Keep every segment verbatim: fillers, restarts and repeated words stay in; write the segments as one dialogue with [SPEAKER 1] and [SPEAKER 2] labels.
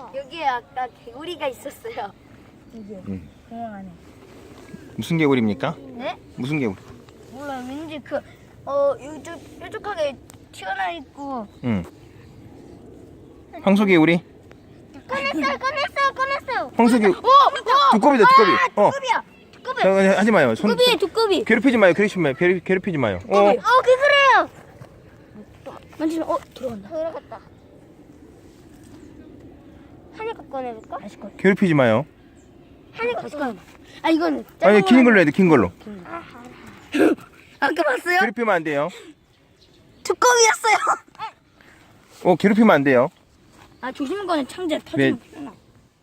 [SPEAKER 1] 여기에 아까 개구리가 있었어요.
[SPEAKER 2] 여기요.
[SPEAKER 3] 응.
[SPEAKER 2] 공원 안에.
[SPEAKER 3] 무슨 개구리입니까?
[SPEAKER 2] 네?
[SPEAKER 3] 무슨 개구리?
[SPEAKER 2] 몰라. 왠지 그 어 요쪽 뾰족하게 튀어나와 있고.
[SPEAKER 3] 응. 황소 개구리?
[SPEAKER 2] 꺼냈어요. 꺼냈어요. 꺼냈어요.
[SPEAKER 3] 황소 개.
[SPEAKER 2] 오! 오!
[SPEAKER 3] 두꺼비다 두꺼비. 어.
[SPEAKER 2] 두꺼비야. 두꺼비.
[SPEAKER 3] 자, 하지 마요. 손,
[SPEAKER 2] 두꺼비. 두꺼비.
[SPEAKER 3] 괴롭히지 마요. 괴롭히지 마요. 괴롭, 괴롭히지 마요. 어.
[SPEAKER 2] 어, 개구리예요. 만지면 어 들어간다. 들어갔다. 하니까 꺼내볼까? 다시 꺼내.
[SPEAKER 3] 괴롭히지 마요.
[SPEAKER 2] 하니까 다시 꺼내. 아 이거는.
[SPEAKER 3] 아니 긴 걸로 해야 돼. 긴 걸로.
[SPEAKER 2] 아까 봤어요?
[SPEAKER 3] 괴롭히면 안 돼요.
[SPEAKER 2] 두꺼비였어요.
[SPEAKER 3] 어, 괴롭히면 안 돼요.
[SPEAKER 2] 아 조심히 꺼내. 창자 터지면
[SPEAKER 3] 네.
[SPEAKER 2] 피나.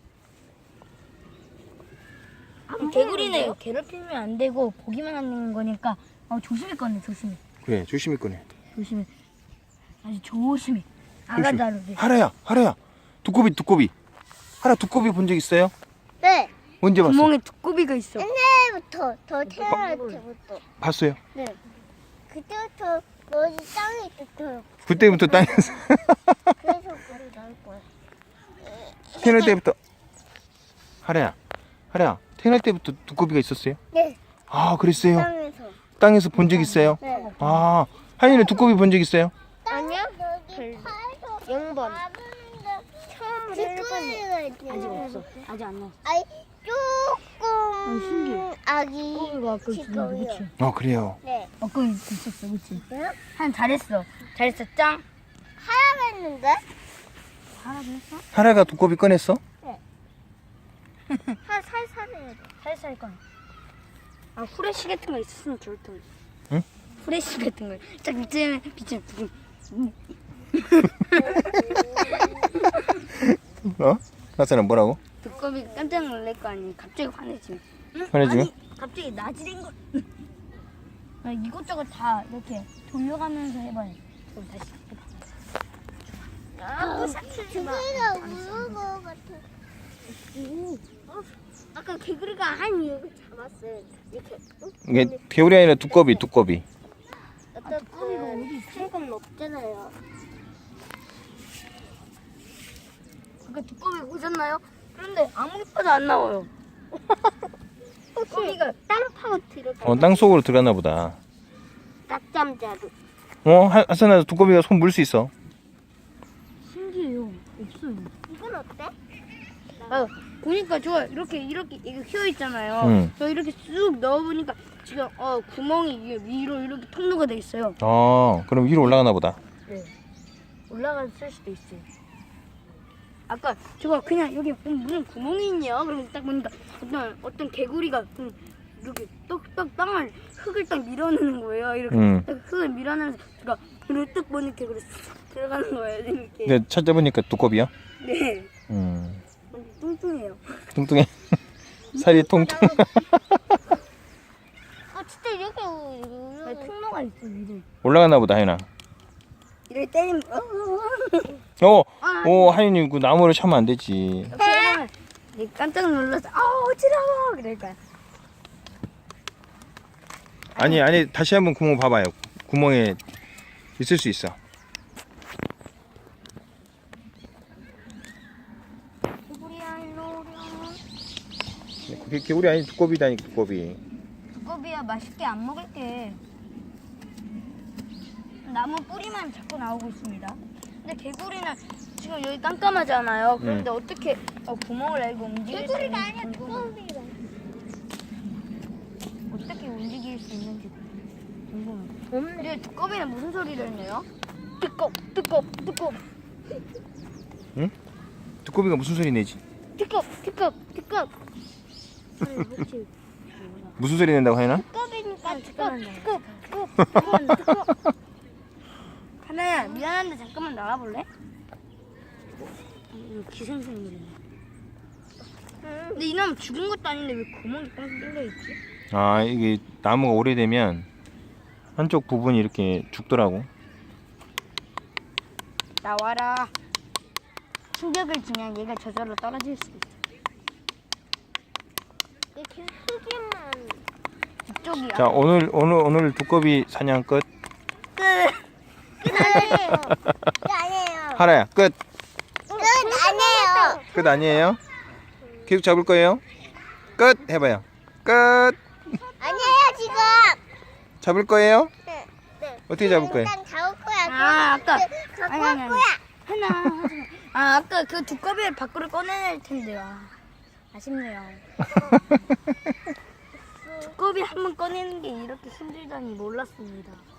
[SPEAKER 2] 아, 개구리는 괴롭히면 안 되고 보기만 하는 거니까 어, 조심히 꺼내. 조심히.
[SPEAKER 3] 그래, 조심히 꺼내.
[SPEAKER 2] 조심히. 아주 조심히. 아가다로.
[SPEAKER 3] 하라야, 하라야. 두꺼비, 두꺼비. 하라 두꺼비 본 적 있어요?
[SPEAKER 1] 네.
[SPEAKER 3] 언제 봤어요?
[SPEAKER 2] 구멍에 두꺼비가 있어.
[SPEAKER 1] 옛날부터 더 태어날 때부터.
[SPEAKER 3] 봤어요.
[SPEAKER 1] 네. 그때부터 여기 땅이 있었어요.
[SPEAKER 3] 그때부터 땅에서
[SPEAKER 1] 그래서 그걸 나올 거야.
[SPEAKER 3] 태어날 때부터. 하라야, 하라야. 태어날 때부터 두꺼비가 있었어요?
[SPEAKER 1] 네.
[SPEAKER 3] 아, 그랬어요.
[SPEAKER 1] 땅에서.
[SPEAKER 3] 땅에서 본 적 있어요?
[SPEAKER 1] 네.
[SPEAKER 3] 아, 하인이는 두꺼비 본 적 있어요?
[SPEAKER 1] 아니요. 영 번. 처음으로 일 번에.
[SPEAKER 2] 아직 없어. 아직 안 나왔어.
[SPEAKER 1] 아니
[SPEAKER 2] 아,
[SPEAKER 1] 조금
[SPEAKER 2] 신기해.
[SPEAKER 1] 아기
[SPEAKER 2] 두꺼비가 아까 있었는데
[SPEAKER 1] 지금이요.
[SPEAKER 2] 그치?
[SPEAKER 3] 아, 그래요.
[SPEAKER 1] 네.
[SPEAKER 2] 아까 있었어 그치?
[SPEAKER 1] 네?
[SPEAKER 2] 한 잘했어. 잘했어 짱.
[SPEAKER 1] 하라고 했는데
[SPEAKER 2] 하라고 했어?
[SPEAKER 3] 하라가 두꺼비 꺼냈어?
[SPEAKER 1] 한 살살 해야 돼.
[SPEAKER 2] 살살 꺼내. 아 후레쉬 같은 거 있었으면 좋을 텐데.
[SPEAKER 3] 응?
[SPEAKER 2] 후레쉬 같은 거. 딱 밑에 빛을 부금.
[SPEAKER 3] 어? 나사는 뭐라고?
[SPEAKER 2] 두꺼비 깜짝 놀랄 거 아니야. 갑자기 화내지. 응?
[SPEAKER 3] 화내지요?
[SPEAKER 2] 아니, 갑자기 나지른 거. 아, 이것저것 다 이렇게 돌려가면서 해봐요. 그럼 다시 해봐.
[SPEAKER 1] 아, 개구리가 우는 거 같아. 어? 아까 개구리가 한 이거 잡았어요. 이렇게. 응?
[SPEAKER 3] 이게 개구리 아니라 두꺼비, 두꺼비.
[SPEAKER 1] 어떤 그 살건 없잖아요.
[SPEAKER 2] 아까 두꺼비 보셨나요? 그런데 아무리 봐도 안 나와요. 두꺼비가
[SPEAKER 1] 땅 파고 들어가.
[SPEAKER 3] 어, 땅 속으로 들어갔나 보다.
[SPEAKER 1] 낙잠자루.
[SPEAKER 3] 어, 하- 하선아 두꺼비가 손 물 수 있어.
[SPEAKER 2] 신기해요. 없어요.
[SPEAKER 1] 이건 어때?
[SPEAKER 2] 아, 보니까 좋아. 이렇게 이렇게 이거 휘어 있잖아요.
[SPEAKER 3] 응.
[SPEAKER 2] 저 이렇게 쑥 넣어보니까 지금 어 구멍이 이게 위로 이렇게 통로가 돼 있어요.
[SPEAKER 3] 어, 그럼 위로 올라가나 보다.
[SPEAKER 2] 네. 올라갔을 수도 있어요. 아까 저거 그냥 여기 음, 무슨 구멍이 있냐? 그러면 딱 보니까 어떤 어떤 개구리가 음, 이렇게 떡떡 땅을 흙을 딱 밀어내는 거예요. 이렇게
[SPEAKER 3] 응.
[SPEAKER 2] 딱 흙을 밀어내면서 제가 이렇게 딱 보니까 개구리 쑥 들어가는 거예요. 이렇게.
[SPEAKER 3] 근데 찾아보니까 두꺼비야?
[SPEAKER 2] 네.
[SPEAKER 3] 음,
[SPEAKER 2] 완전 뚱뚱해요.
[SPEAKER 3] 뚱뚱해. 살이 통통.
[SPEAKER 1] 아 진짜 이렇게
[SPEAKER 2] 아,
[SPEAKER 1] 우는.
[SPEAKER 2] 통로가 있어 위로.
[SPEAKER 3] 올라가나 보다, 하인아.
[SPEAKER 2] 이렇게 때리면
[SPEAKER 3] 어,
[SPEAKER 2] 아,
[SPEAKER 3] 오, 하인이 그 나무를 차면 안 되지.
[SPEAKER 2] 그러면 이게 깜짝 놀라서 아 어지러워 그럴 거야.
[SPEAKER 3] 아니, 아니, 다시 한번 구멍 봐봐요. 구멍에 있을 수 있어.
[SPEAKER 2] 개구리야 일로 오렴.
[SPEAKER 3] 그게 개구리 아니 두꺼비다니까, 두꺼비.
[SPEAKER 2] 두꺼비야 맛있게 안 먹을게. 나무 뿌리만 자꾸 나오고 있습니다. 근데 개구리는 지금 여기 깜깜하잖아요. 그런데 어떻게 어, 구멍을 내고 움직일 수
[SPEAKER 1] 개구리가
[SPEAKER 2] 있는지
[SPEAKER 1] 아니야
[SPEAKER 2] 궁금해.
[SPEAKER 1] 두꺼비가.
[SPEAKER 2] 어떻게 움직일 수 있는지 궁금해. 근데 두꺼비는 무슨 소리를 내요? 뜨겁 뜨겁 뜨겁
[SPEAKER 3] 응? 두꺼비가 무슨 소리 내지?
[SPEAKER 2] 뜨겁 뜨겁 뜨겁.
[SPEAKER 3] 무슨 소리 낸다고, 하인아?
[SPEAKER 1] 두꺼비니까
[SPEAKER 2] 잠깐만
[SPEAKER 1] 두꺼
[SPEAKER 2] 뜨겁 뜨겁 뜨겁. 하나야 미안한데 잠깐만 나가볼래? 어, 기생생물이네. 근데 이 나무 죽은 것도 아닌데 왜 구멍이 뻥 뚫려 있지?
[SPEAKER 3] 아, 이게 나무가 오래되면 한쪽 부분이 이렇게 죽더라고.
[SPEAKER 2] 나와라. 충격을 주면 얘가 저절로 떨어질 수 있어.
[SPEAKER 1] 이렇게 흙이만.
[SPEAKER 2] 이쪽이야.
[SPEAKER 3] 자, 오늘 오늘 오늘 두꺼비 사냥 끝.
[SPEAKER 2] 끝.
[SPEAKER 1] 끝 아니에요. 끝 아니에요.
[SPEAKER 3] 하라야, 끝.
[SPEAKER 1] 끝 아니에요.
[SPEAKER 3] 끝 아니에요? 계속 잡을 거예요? 끝 해봐요. 끝.
[SPEAKER 1] 아니에요 지금.
[SPEAKER 3] 잡을 거예요?
[SPEAKER 1] 네. 네.
[SPEAKER 3] 어떻게 잡을 거예요?
[SPEAKER 1] 일단 잡을 거야.
[SPEAKER 2] 아, 아까-
[SPEAKER 1] 갖고
[SPEAKER 2] 아니,
[SPEAKER 1] 올
[SPEAKER 2] 아니, 아니.
[SPEAKER 1] 거야.
[SPEAKER 2] 하나 하지 마. 아 아까 그 두꺼비를 밖으로 꺼내낼 텐데요. 아, 아쉽네요. 두꺼비 한 번 꺼내는 게 이렇게 힘들다니 몰랐습니다.